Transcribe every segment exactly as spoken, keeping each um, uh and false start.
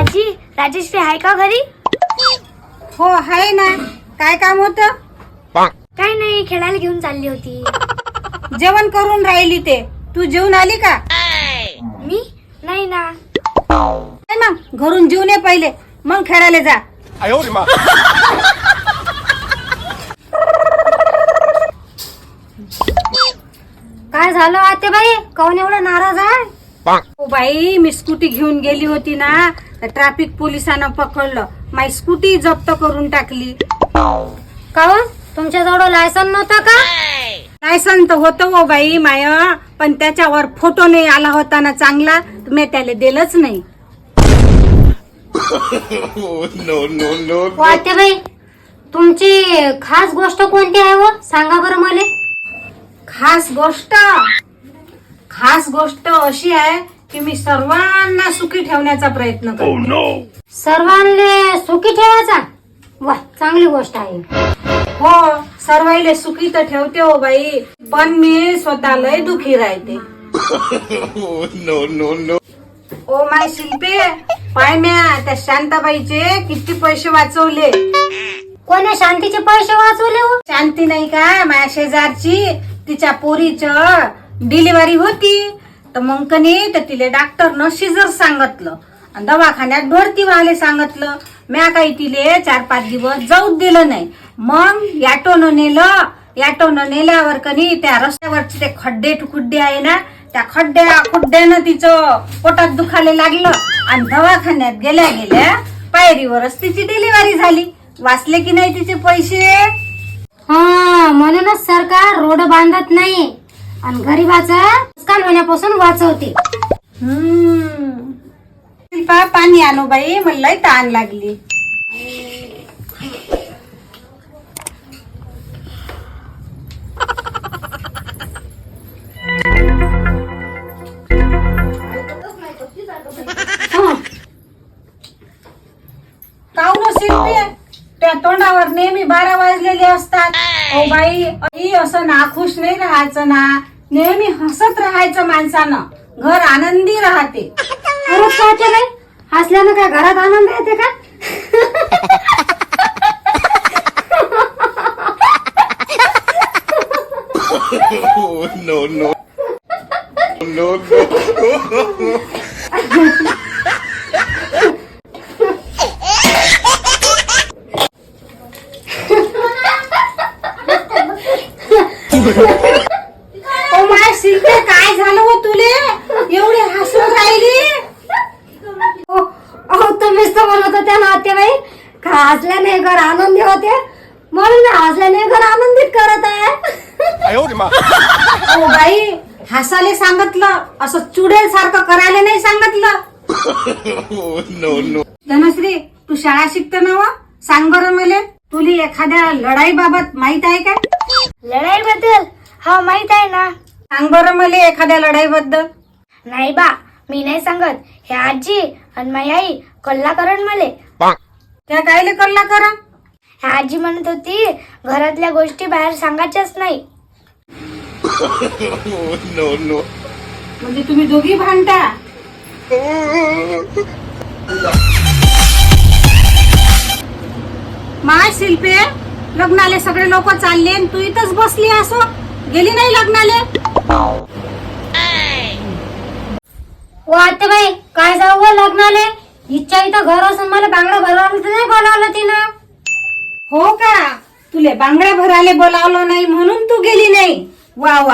आजी राजेश्री आहे का घरी? हो आहे ना. काय काम होतं? काय नाही, खेळायला घेऊन चालली होती. जेवण करून राहिली ते. तू जेवून आली का? मी नाही ना. काय मग घरून जेवून ये पहिले, मग खेळायला जा. काय झालं आतेबाई, काऊन एवढं नाराज आहे? ओ बाई, मी स्कूटी घेऊन गेली होती ना, तर ट्रॅफिक पोलिसांना पकडलं. माझी स्कूटी जप्त करून टाकली. काऊन तुमच्याजवळ लायसन नव्हतं का? लायसन तर होतं हो बाई माय, पण त्याच्यावर फोटो नाही आला होता ना चांगला, तर मी त्याला दिलंच नाही. आतेबाई, तुमची खास गोष्ट कोणती आहे व, सांगा बरं मला. खास गोष्ट खास गोष्ट अशी आहे की मी सर्वांना सुखी ठेवण्याचा प्रयत्न करते. सर्वांना सुखी ठेवायचा? वा, चांगली गोष्ट आहे. हो, सर्वांना सुखी तर ठेवते हो बाई, पण मी स्वतः लय दुखी राहते. ओ माय शिल्पे, पाय म्या त्या शांताबाईचे किती पैसे वाचवले. कोण्या शांतीचे पैसे वाचवले हो? शांती नाही का, माझ्या शेजारची, तिच्या पोरीच डिलिव्हरी होती. तर मग कनी तर तिले डॉक्टरनं शिजर सांगितलं आणि दवाखान्यात भरती व्हायला सांगितलं. म्या काही तिले चार पाच दिवस जाऊच दिलं नाही. मग याटोनं नेलं. याटोनं नेल्यावर कनी त्या रस्त्यावरचे ते खड्डे खुड्डे आहे ना, त्या खड्ड्या खुड्ड्यानं तिचं पोटात दुखायला लागलं आणि दवाखान्यात गेल्या गेल्या पायरीवरच तिची डिलिव्हरी झाली. वाचले की नाही तिचे पैसे? हा, म्हणूनच सरकार रोड बांधत नाही आणि गरीबाचा नुकसान होण्यापासून वाचवते. हम्म शिल्पा, पाणी आणू बाई, मला लय ताण लागली. काऊन शिल्पी, त्या तोंडावर नेहमी बारा वाजलेले असतात. ओ बाई, आई असं नाखुश नाही राहायचं ना, नेहमी हसत राहायचं माणसानं, घर आनंदी राहते. खरंच काय नाही, हसल्यानं काय घरात आनंद येते का? no, no. No, no. Oh my शिल्पे, काय झालं हो तुले, एवढी हसून राहिली? अहो, तुम्हीच तर म्हणत होत्या ना आतेबाई, का हसल्याने घर आनंदी होते, म्हणून मी हसल्याने घर आनंदित करत आहे. ओ बाई, हसायला सांगितलं, असं चुडेल सारखं करायला नाही सांगितलं. no, no. धनश्री, तू शाळा शिकते ना व? सांग बरं मला, तुला एखाद्या लढाई बाबत माहित आहे का? लढाई बद्दल? हा, माहित आहे ना. सांग बरं मला एखाद्या लढाई बद्दल. नाही बा, मी नाही सांगत. हे आजी आणि माझी आई कल्ला करण मले. त्या कायले कल्ला करा? ह्या आजी म्हणत होती घरातल्या गोष्टी बाहेर सांगायच्याच नाही. no, no. म्हणजे तुम्ही दोघी भांडता? माय शिल्पे, लग्नाले सगळे लोक चालले, तू इथंच बसली असो, गेली नाही लग्नाले? ओ आतेबाई, काय जाऊ व लग्नाले? इच्छा इथं घर असून मला बांगडा भरवायला नाही बोलावलं तिनं. हो का, तुले बांगड्या भरायला बोलावलं नाही म्हणून तू गेली नाही? वा वा.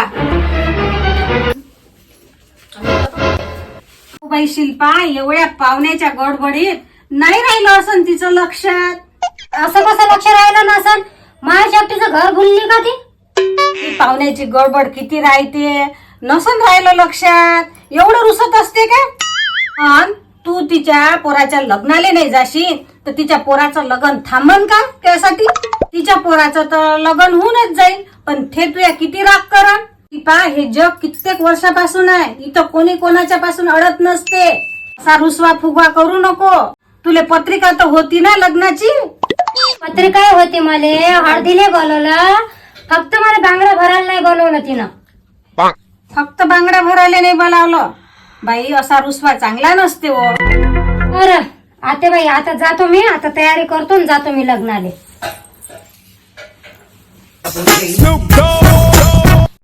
बाई शिल्पा, एवढ्या पाहुण्याच्या गडबडीत नाही राहिलं असं तिचं लक्षात. असं कसं लक्ष राहिलं नसन? माझ्या एकटीचं घर भुलली का ती? ती पाहुण्याची गडबड किती राहते, नसन राहिलं लक्षात. एवढं रुसत असते का? अन तू तिच्या पोराच्या लग्नाला नाही जाशील तर तिच्या पोराचं लग्न थांबन का त्यासाठी? तिच्या पोराचं तर लग्न होऊनच जाईल, पण ते तुया किती राग करा. पा, हे जग कित्येक वर्षापासून आहे, इथं कोणी कोणाच्या पासून अडत नसते. असा रुसवा फुगवा करू नको. तुले पत्रिका तर होती ना लग्नाची? पत्रिका होती, मले हळदीले बोलवलं, फक्त मला बांगडा भरायला नाही बोलवलं तिनं. फक्त बांगड्या भरायला नाही बोलावलं? बाई, असा रुसवा चांगला नसते हो. बरं, आतेबाई आता जातो मी, आता तयारी करतो आणि जातो मी लग्नाले. Snoop Dogg.